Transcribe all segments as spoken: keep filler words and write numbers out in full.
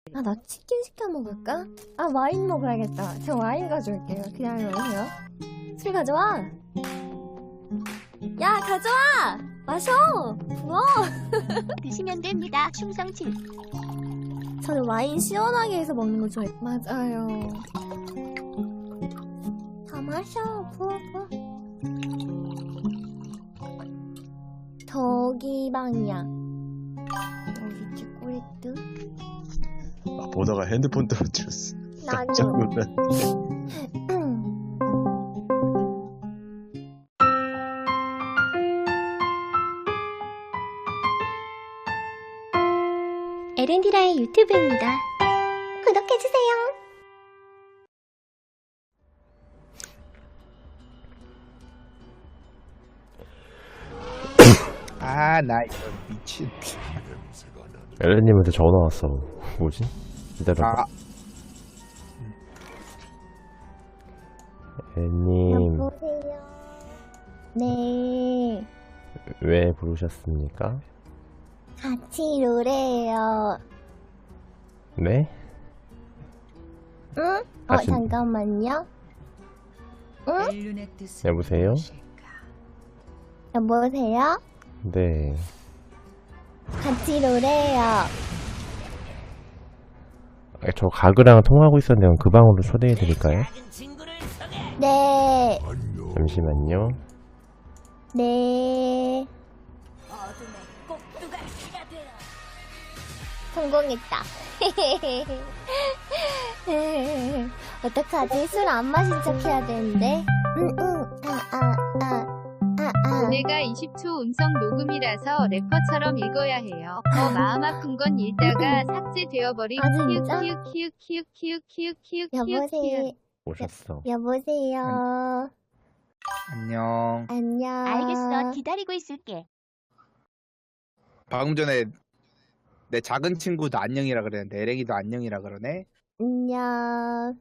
아, 나 치킨 시켜 먹을까? 아, 와인 먹어야겠다. 저 와인 가져올게요. 기다려주세요. 술 가져와! 야, 가져와! 마셔! 부어! 드시면 됩니다. 충성침. 저는 와인 시원하게 해서 먹는 거 좋아해요. 맞아요. 다 마셔. 부어, 부어. 저기 방이야. 여기 초콜릿도. 아, 보다가 핸드폰 떨어뜨렸어. 깜짝 나도. 놀랐네. 에렌디라의 유튜브입니다. 구독해주세요. 아, 나 이거 미친. 엘렌님한테 전화 왔어. 뭐지? 기다려봐. 아, 엘렌님, 여보세요. 네. 왜 부르셨습니까? 같이 노래해요. 네? 응? 어, 같이- 잠깐만요. 응? 여보세요? 여보세요? 네. 같이 노래해요. 아, 저 가그랑 통화하고 있었는데 그 방으로 초대해드릴까요? 네. 잠시만요. 네. 성공했다. 어떡하지? 술 안 마신 척 해야 되는데. 응, 응. 아, 아, 아. 아, 아. 내가 이십 초 음성 녹음이라서 래퍼처럼 읽어야 해요. 더 마음 아픈 건 읽다가 삭제되어버린 아, 진짜? 키읔 키읔 키읔 키읔 키읔 키읔 키읔 키읔 여보세요. 오셨어. 여보세요. 안녕. 안녕. 알겠어. 기다리고 있을게. 방금 전에 내 작은 친구도 안녕이라 그랬는데 에랭이도 안녕이라 그러네. 안녕.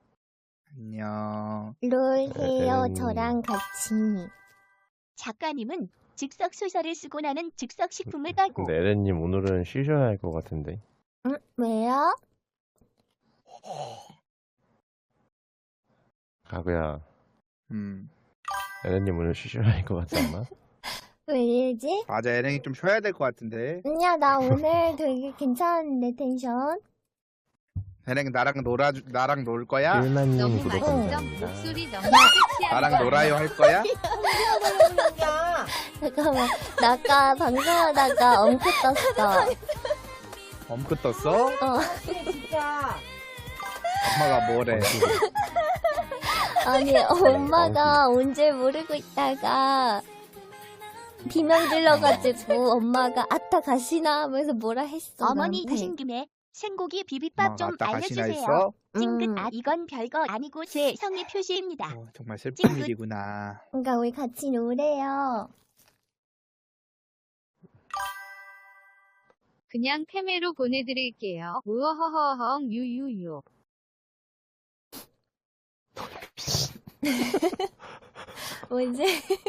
안녕. 롤 해요. 음. 저랑 같이. 작가님은 즉석 소설을 쓰고 나는 즉석 식품을 깔고 근데 엘렌님 오늘은 쉬셔야 할 것 같은데. 응? 왜요? 가그야, 음, 엘렌님 오늘 쉬셔야 할 것 같지 않아? 왜 이러지? 맞아, 에랭이 좀 쉬어야 될 것 같은데. 아니야, 나 오늘 되게 괜찮은데, 텐션. 에랭이 나랑 놀아, 나랑 놀 거야? 일만님 너무 구독 맛있어. 감사합니다. 목소리 너무 섹시한 나랑 거 놀아요 할 거야? 잠깐만, 나 아까 방송하다가 엉크 떴어. 엄크 떴어? 어, 엄마가 뭐래? 아니, 엄마가 온 줄 모르고 있다가, 비명 질러가지고, 엄마가 아따 가시나 하면서 뭐라 했어. 어머니 나한테. 가신 김에 생고기 비빔밥 엄마가 좀 아따 가시나 알려주세요. 했어? 찡긋. 음. 아 이건 별거 아니고 제 성의 표시입니다. 어, 정말 슬픈 일이구나. 그러니까 우리 같이 노래요. 그냥 페메로 보내드릴게요. 우어허허헝 유유유. 뭐지?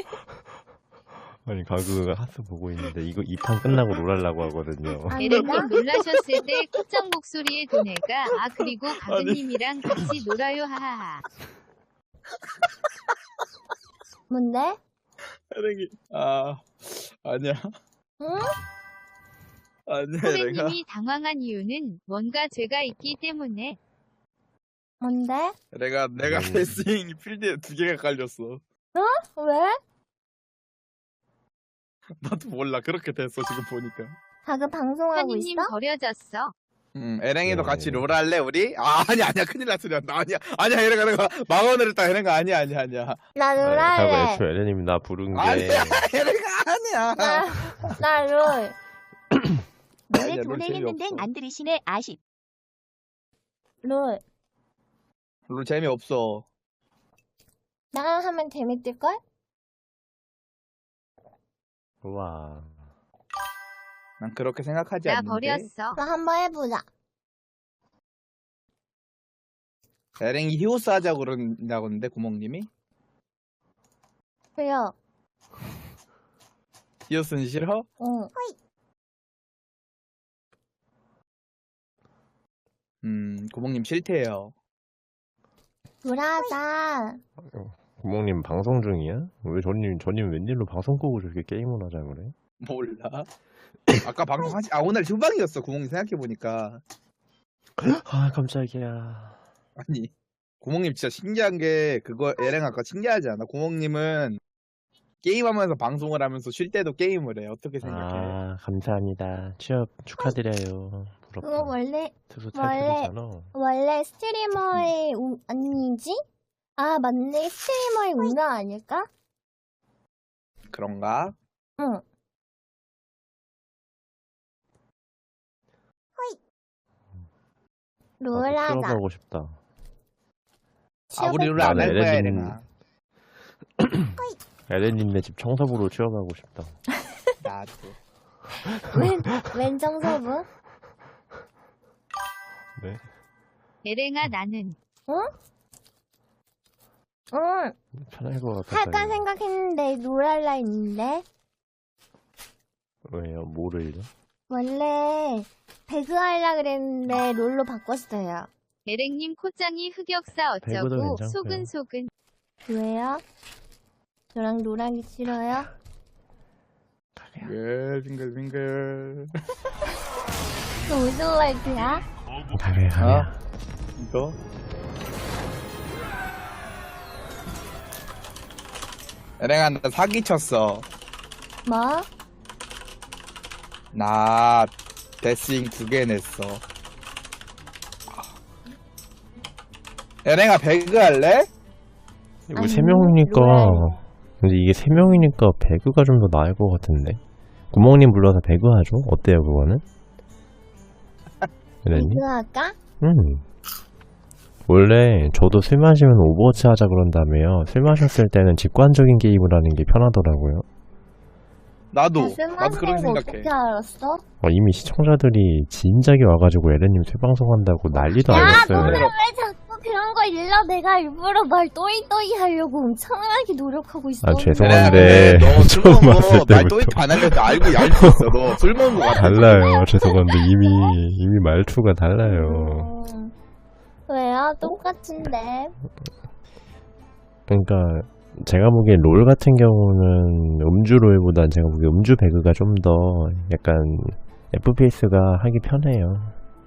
아니 가그가 하스 보고 있는데 이거 이 판 끝나고 놀아려고 하거든요. 안 에렌님 된다? 놀라셨을 때 코정 목소리에 도네가 아 그리고 가그님이랑 같이 놀아요 하하하. 뭔데? 에랭이, 아, 아니야. 응? 아니야, 에랭아. 호레님이 당황한 이유는 뭔가 죄가 있기 때문에. 뭔데? 내가, 내가 음. 레슬링 필드에 두 개가 깔렸어. 왜? 나도 몰라. 그렇게 됐어, 지금 보니까. 가그 방송하고 현이님 있어? 버려졌어. 음, 에랭이도 네. 같이 롤 할래, 우리? 아, 아니야, 아니야. 큰일 났어. 나 아니야. 아니야, 에랭아, 내가 망언을 했다. 에랭아, 아니야, 아니야, 아니야. 나 가그 롤할래. 애초에 엘렌님이 나 부른 게 아니야, 에랭아, 아니야. 나, 나 롤. 노래 아니야, 롤 보내했는데 재미없어. 안 들으시네. 아쉽. 롤. 롤 재미없어. 나랑 하면 재밌을걸? 우와. 난 그렇게 생각하지 나 않는데. 버렸어. 나 한번 해보자. 에랭이 히오스 하자고 그런다고 했는데, 구멍님이? 그래요. 히오스는 싫어? 응. 음, 구멍님 싫대요. 돌아가. 구멍님 방송 중이야? 왜 저님 저님 웬일로 방송 끄고 저렇게 게임을 하자 그래? 몰라. 아까 방송하지, 아, 오늘 휴방이었어, 구멍님 생각해보니까. 아 깜짝이야. 아니, 구멍님 진짜 신기한 게, 그거, 얘랑 아까 신기하지 않아? 구멍님은 게임하면서 방송을 하면서 쉴 때도 게임을 해. 어떻게 생각해? 아 감사합니다. 취업 축하드려요. 그거 부럽다. 원래 특수 원래- 탈출이잖아. 원래 스트리머의 운 아니지? 아 맞네, 스트리머의 운명 아닐까? 그런가? 응. 나도 롤하자. 취업하고 싶다. 아, 우리 취업할 룰 안 할 나는 거야, 에레진- 얘랑아. 에렌님네 집 청소부로 취업하고 싶다. 나도. 웬, 웬 정서부? 네. 에랭아 나는 응. 편할 것 같아서. 할까 생각했는데 롤할라 했는데 왜요? 뭐를요? 원래 배그 할라 그랬는데 롤로 바꿨어요. 에랭님 코장이 흑역사 배구도 어쩌고 괜찮고요. 소근소근 왜요? 저랑 롤하기 싫어요? 빙글, 빙글, 빙글. 그 무슨 말이야? 가게 가게. 어? 이거? 얘랑아, 나 사기쳤어. 뭐? 나 데스잉 두 개 냈어. 얘랑아, 배그 할래? 이거 아니, 세 명이니까. 롤. 근데 이게 세 명이니까 배그가 좀 더 나을 것 같은데. 구멍님 불러서 배그 하죠? 어때요 그거는? 에렌님? 배그 할까? 음. 원래 저도 술 마시면 오버워치 하자 그런다며요. 술 마셨을 때는 직관적인 게임을 하는 게 편하더라고요. 나도. 술 나도 그렇게 마시는 거 생각해. 어떻게 알았어? 어, 이미 시청자들이 진작에 와가지고 에렌님 술 방송한다고 난리도 야, 아니었어요. 너는 왜 자꾸 그런 거 일러? 내가 일부러 말 또이또이 하려고 엄청나게 노력하고 있어. 아, 죄송한데. 너술 처음 먹은 왔을 거, 말 때부터. 또이트 안 하려도 알고 알고 있어. 너 술 먹은 거 같아. 달라요. 죄송한데 이미 이미 말투가 달라요. 음, 왜요? 똑같은데. 그러니까 제가 보기엔 롤 같은 경우는 음주 롤보단 제가 보기엔 음주 배그가 좀 더 약간 에프피에스가 하기 편해요.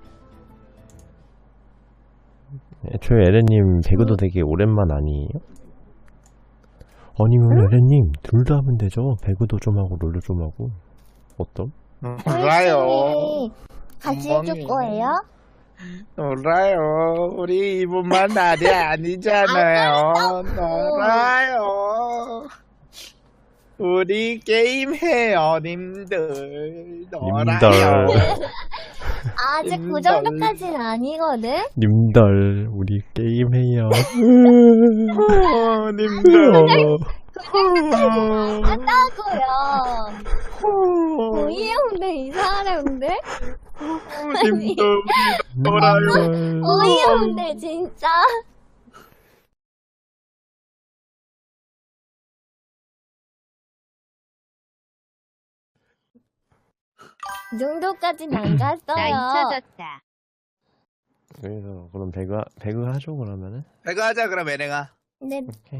애초에 에렌님 배그도 되게 오랜만 아니에요? 아니면 에렌님 둘 다 하면 되죠. 배그도 좀 하고 롤도 좀 하고. 어떤? 몰라요. 홀쭉이 같이 해줄 엉망이네. 거예요? 몰라요. 우리 이분만 날이 아니잖아요. 놀아요. 우리 게임 해요, 님들. 놀아요. 아직 그 님들. 정도까지는 아니거든? 님들 우리 게임해요. 어, 님들. 한다고요. 어이없네, 이상한데? 님들, 우리 놀아요. 어이없네, 진짜. 이 정도까지는 안 나 갔어요. 잊혀졌다. 그래서 그럼 배그 하- 배그 하죠 그러면은. 배그 하자, 그럼, 애랭아. 근데 오케이.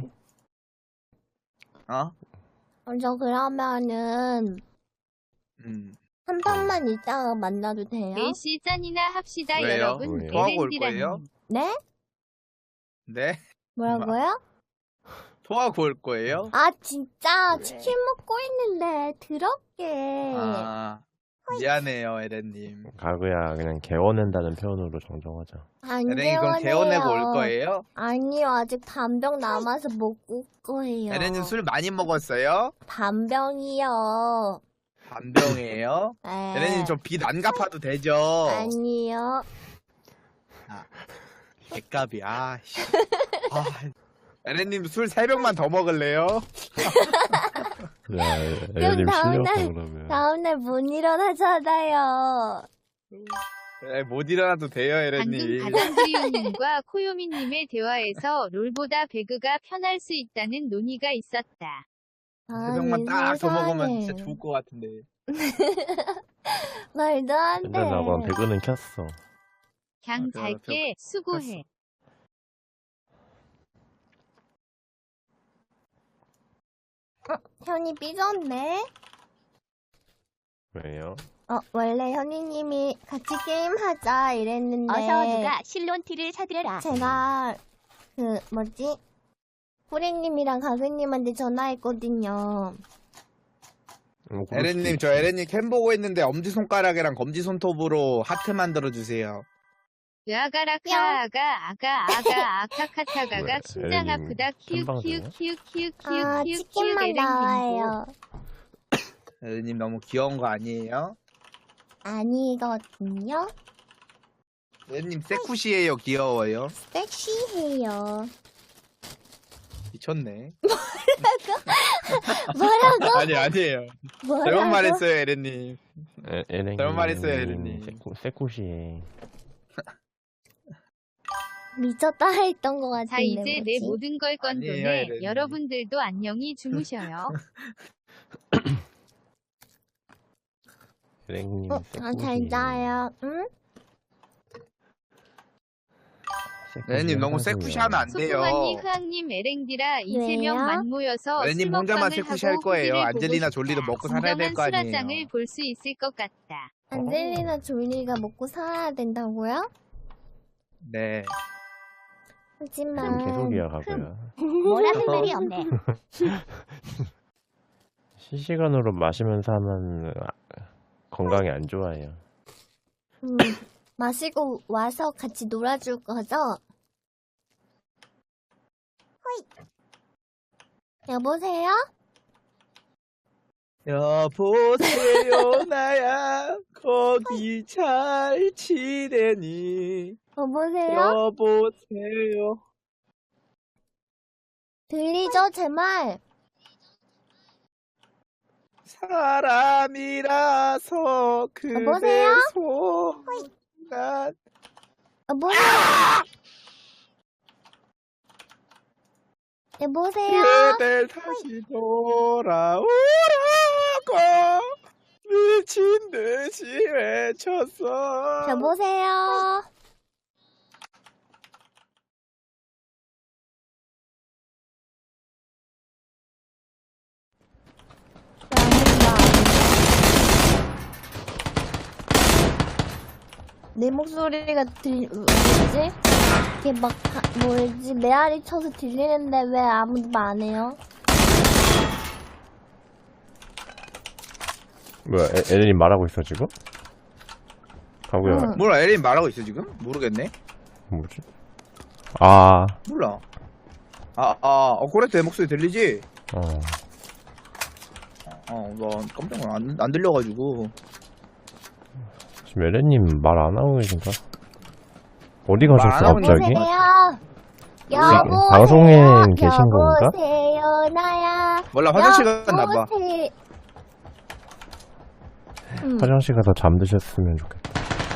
어? 저 그러면은 음. 한 번만 이따가 만나도 돼요? 네 시 짠이나 합시다 왜요? 여러분. 왜요? 토하고 올 에렌디라님. 거예요? 네? 네? 뭐라고요? 토하고 올 거예요? 아 진짜 치킨 먹고 있는데 더럽게. 아, 미안해요, 에렌님. 가그야 그냥 개워낸다는 표현으로 정정하자. 안 에렌이 그럼 개워내요. 개워내고 올 거예요? 아니요, 아직 반병 남아서 먹을 거예요. 에렌님 술 많이 먹었어요? 반병이요. 반병이에요? 네. 에렌님 저 빚 안 갚아도 되죠? 아니요. 개값이, 아, 씨. 아, 에렌님 술 세 병만 더 먹을래요? 야, 에렌님 다음날- 실력도 그러면. 다음날 못 일어나잖아요. 네, 못 일어나도 돼요, 방금 에렌님. 가장두유님과 코요미님의 대화에서 롤보다 배그가 편할 수 있다는 논의가 있었다. 세 아, 병만 딱 더 먹으면 세상에. 진짜 좋을 것 같은데. 말도 안 돼. 근데 나건 배그는 켰어. 갱 아, 잘게 수고해. 현이 삐졌네. 왜요? 어, 원래 현이님이 같이 게임하자 이랬는데 어서 누가 실론티를 사들여라. 제가 그 뭐지? 호랭님이랑 가그님한테 전화했거든요. 음, 그럴 수도 에렌님 있지. 저 에렌님 캠 보고 있는데 엄지손가락이랑 검지손톱으로 하트 만들어주세요. 으아가라카 아가 아가 아가 아카카타가가 뭐야, 심장 에렌님 아프다 키읔 캔방 키읔 중이야? 키읔 키읔 아, 키읔 키읔 키읔 치킨만 에렌 빙고. 나와요. 에렌님 너무 귀여운 거 아니에요? 아니거든요. 에렌님 세쿠시해요 귀여워요? 섹시해요. 미쳤네. 뭐라고? 아니 아니에요. 뭐라고? 잘못 말했어요 에렌님. 에, 에렌님 잘못 말했어요, 에렌님. 세코, 세코시에 미쳤다 했던 것 같은데 자 이제 내 뭐지? 모든 걸 아니에요, 건도네. 에렌님. 여러분들도 안녕히 주무셔요. 에렌님 어, 세코시. 아, 잘 자요. 응? 에렌님 너무 세쿠시하면 안 돼요. 소풍언니 흐앙님 에랭디라 이세 명 왜요? 만모여서 에렌님 술 혼자만 먹방을 세쿠시 하고 할 거예요. 후기를 안젤리나 보고 졸리도 싶다. 먹고 살아야 될 거 진정한 아니에요. 수라장을 볼 수 있을 것 같다. 안젤리나 졸리가 먹고 살아야 된다고요? 네. 하지만 개소리야 가고요. 뭐라 할 말이 없네. 실시간으로 마시면서 하면 아, 건강에 안 좋아요. 음, 마시고 와서 같이 놀아줄 거죠? 호이. 여보세요? 여보세요 나야 거기 잘 지내니 여보세요? 여보세요. 들리죠? 제 말? 사람이라서 그대 여보세요? 손난 여보세요? 여보세요? 그댈 다시 돌아오라고 미친 듯이 외쳤어. 여보세요? 내 목소리가 들, 뭐지? 이렇게 막, 가- 뭐지? 메아리 쳐서 들리는데 왜 아무도 말 안 해요? 뭐야 에, 에렌님 말하고 있어 지금? 가고요. 응. 뭐라 에린 말하고 있어 지금? 모르겠네. 뭐지? 아, 몰라. 아, 아, 어, 그래, 내 목소리 들리지? 어. 어, 나 깜짝 놀라. 안, 안 들려가지고. 지금 에렌님 말 안 하고 계신가? 어디 가셨어 말안 하고 갑자기? 있는 여보세요? 여보세요? 방송에 계신 건가? 여보세요, 나야. 몰라, 화장실 갔나봐. 여보세- 음, 화장실 가서 잠드셨으면 좋겠다.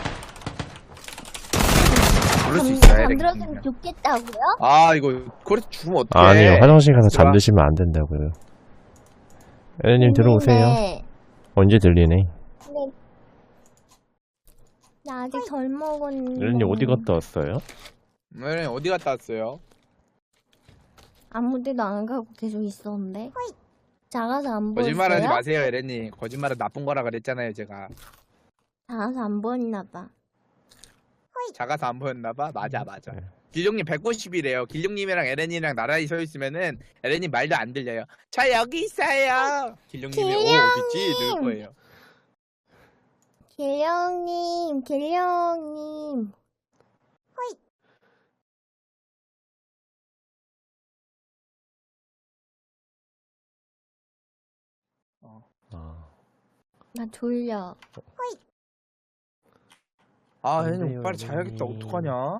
그럴 수 잠- 있어, 에린. 잠들었으면 좋겠다고요? 아, 이거, 그래서 죽으면 어떡해. 아니요, 화장실 가서 들어와. 잠드시면 안 된다고요. 에렌님 들어오세요. 네. 언제 들리네? 근데 나 아직 덜 먹었는데. 에렌님 어디 갔다 왔어요? 에린 어디 갔다 왔어요? 아무 데도 안 가고 계속 있었는데. 작아서 안 보였어요? 거짓말하지 마세요, 에렌님. 거짓말은 나쁜 거라 그랬잖아요, 제가. 작아서 안 보였나 봐. 작아서 안 보였나봐? 맞아, 맞아. 네. 길룡님 백오십이래요. 길룡님이랑 에렌이랑 나란히 서 있으면은 에렌님 말도 안 들려요. 저 여기 있어요. 길룡님이 오, 어딨지? 늘 거예요. 길령님, 길령님. 아, 나 졸려. 아, 안 에렌님 돼요, 빨리 자야겠다. 에렌님. 어떡하냐?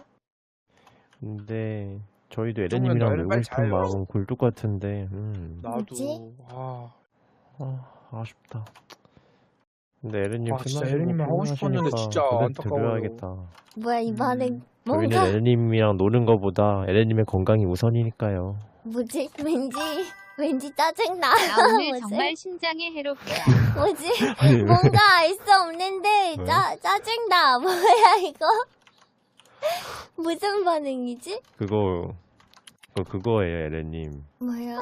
근데 저희도 그러면 에렌님이랑 너를 놀고 빨리 싶은 자요. 마음은 굴뚝 같은데, 음, 나도. 뭐지? 아, 아, 아쉽다. 근데 에렌님 아, 술 진짜 마시고 에렌님이랑 하고 싶었는데 피곤하시니까 진짜 고백 안타까워요. 드려야겠다. 뭐야, 이번엔 음, 뭔가, 저희는 에렌님이랑 노는 거보다 에렌님의 건강이 우선이니까요. 뭐지? 왠지, 왠지 짜증나. 나 오늘 뭐지? 정말 심장에 해롭다. 뭐지? 뭔가 알 수 없는데, 왜? 짜, 짜증나. 뭐야, 이거? 무슨 반응이지? 그거 그거 그거예요, 에렌님. 뭐야?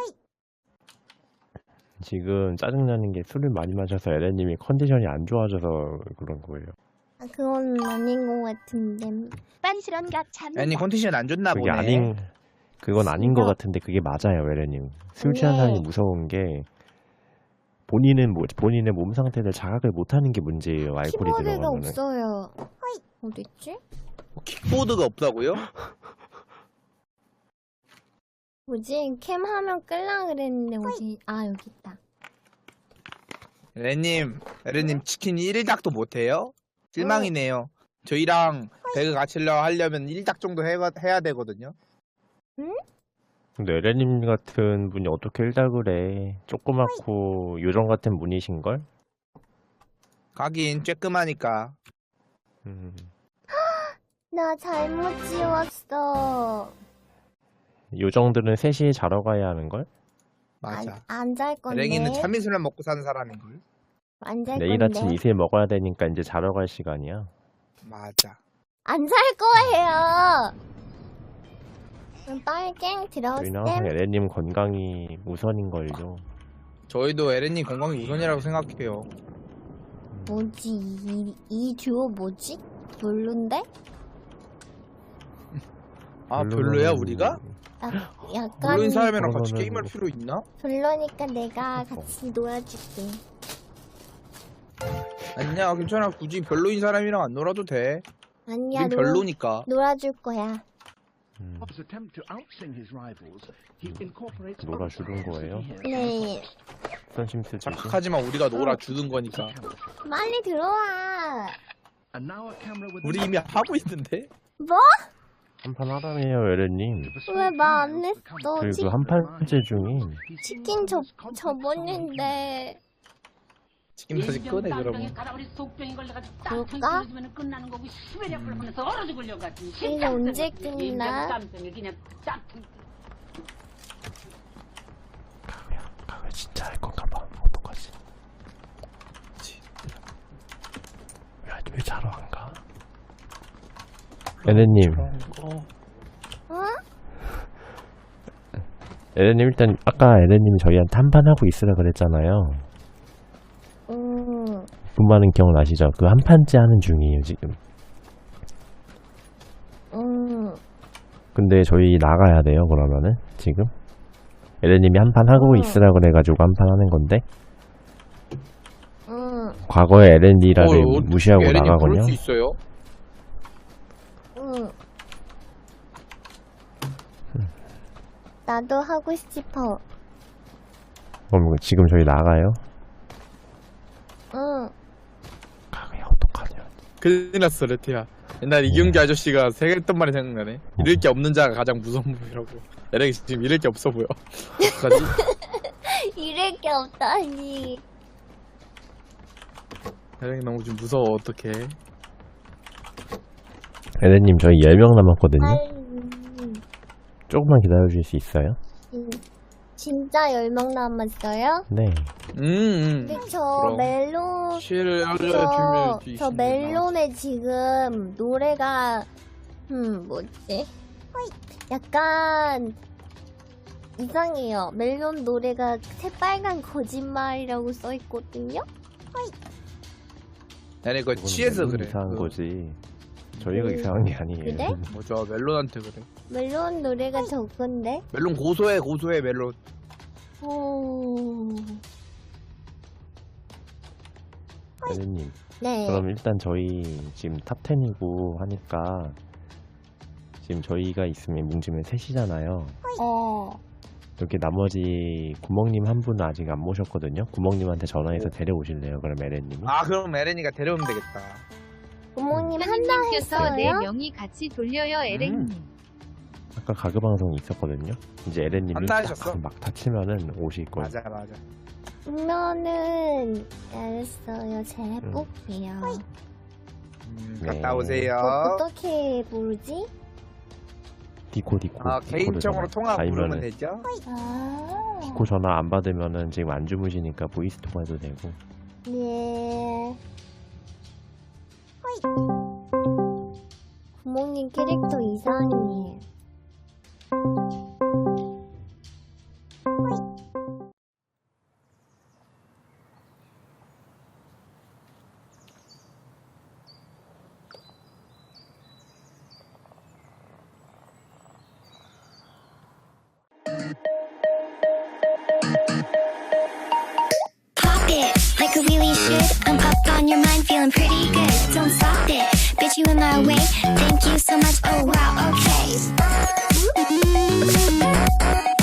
지금 짜증나는 게 술을 많이 마셔서 에렌님이 컨디션이 안 좋아져서 그런 거예요. 아, 그건 아닌 것 같은데. 빤스런 각 참. 아니 컨디션 안 좋나 그게 보네. 아닌 그건 아닌 것 진짜. 같은데 그게 맞아요, 에렌님. 술 취한 네. 사람이 무서운 게 본인은 뭐, 본인의 몸 상태를 자각을 못하는 게 문제예요. 알코올이 키보드가 들어가면은. 없어요. 어딨지? 킥보드가 없다고요? 뭐지? 캠 하면 끌라 그랬는데 어디? 아 여기 있다. 에렌님, 에렌님 치킨 일 닭도 못해요? 실망이네요. 저희랑 배그 같이 하려면 일 닭 정도 해, 해야 되거든요. 근데 에렌님 같은 분이 어떻게 일닭을 해? 조그맣고 요정 같은 분이신걸? 가긴 쬐끔하니까. 음, 나 잘못 지웠어. 요정들은 세 시에 자러 가야 하는걸? 맞아. 안 잘 건데. 에랭이는 참이슬만 먹고 사는 사람인걸. 안 잘 내일 건데. 아침 이슬 먹어야 되니까 이제 자러 갈 시간이야. 맞아. 안 살 거예요. 그럼 빨갱 저희는 항상 들었음. 에렌님 건강이 우선인걸요. 저희도 에렌님 건강이 우선이라고 생각해요. 뭐지? 이, 이 듀오 뭐지? 별론데? 아 별로는- 별로야 우리가? 아, 약간 별로인 사람이랑 같이 그러면은- 게임할 필요 있나? 별로니까 내가 같이 놀아줄게. 아니야 괜찮아. 굳이 별로인 사람이랑 안 놀아도 돼. 아니야, 우린 놀, 별로니까. 놀아줄 거야. 음, Bob's attempt to outsing his rivals, he incorporates 놀아주는 거예요? 네, 선심스 주시. 착각하지만 우리가 놀아주는 거니까. 빨리 들어와. And now a camera with 우리 이미 하고 있는데? 뭐? 한판 하라며요, 에렌님. 왜 말 안 했어? 그리고 치, 한 판째 중인 치킨 접, 접었는데. 치킨 다시 꺼내 그러면. 그럴까? 이게 언제 끝나? 가왜 진짜 할 건가 봐. 어떡하지? 왜, 왜 자러 안 가? 에렌님, 어? 에렌님 일단 아까 에렌님이 저희한테 한 판 하고 있으라 그랬잖아요. 음, 그 말은 기억나시죠? 그 한 판째 하는 중이에요 지금. 음. 근데 저희 나가야 돼요 그러면은 지금. 에렌님이 한 판 하고 음. 있으라 그래가지고 한 판 하는 건데 응, 과거의 에렌디라를 어, 어, 무시하고 에렌님 나가거든요. 그럴 수 있어요? 응. 나도 하고 싶어. 그럼 지금 저희 나가요? 응. 가왜 어떡하냐? 큰일 났어 레트야. 옛날 이경규 아저씨가 생각했던 말이 생각나네. 잃을 게 없는 자가 가장 무서운 법이라고. 에랭이 지금 잃을 게 없어 보여. 어떡하지? 이럴 게 없다니. 에랭이 너무 지금 무서워. 어떡해. 에렌님 저희 열 명 남았거든요. 아유, 조금만 기다려주실 수 있어요? 진- 진짜 열 명 남았어요? 네. 음, 음. 근데 저 그럼. 멜론, 실을 저, 알려주면 저 멜론에 지금 노래가, 음, 뭐지? 약간 이상해요. 멜론 노래가 새빨간 거짓말이라고 써있거든요? 아니 그거 취해서 그래. 이상한 그거. 거지. 저희가 음, 이상한 게 아니에요. 그래? 뭐죠? 멜론한테 그래. 멜론 노래가 저건데? 멜론 고소해 고소해 멜론. 오... 에렌님. 네. 그럼 일단 저희 지금 탑텐이고 하니까 지금 저희가 있으면 뭉치면 셋이잖아요. 어. 여기 나머지 구멍님 한 분은 아직 안 모셨거든요. 구멍님한테 전화해서 데려오실래요? 그럼 에렌님이? 아 그럼 에렌이가 데려오면 되겠다. 부모님 한다 현님께서 네 했어요? 명이 같이 돌려요, 에랭님. 아까 가그 방송이 있었거든요. 이제 에렌님이 한다 하셨어? 막다 치면은 오실 거예요. 맞아 맞아. 그러면은 알았어요. 제가 해볼게요. 음, 네. 갔다 오세요. 어, 어떻게 부르지? 디코 디코. 아 디코로 개인적으로 전화. 통화 부르면 아니면은 되죠? 아, 디코 전화 안 받으면은 지금 안 주무시니까 보이스 통화도 되고. 예. 구멍님 캐릭터 이상해. Pop it like a really should. I'm up on your mind, feeling pretty good. Don't stop it, bitch, you in my way. Thank you so much. Oh wow, okay.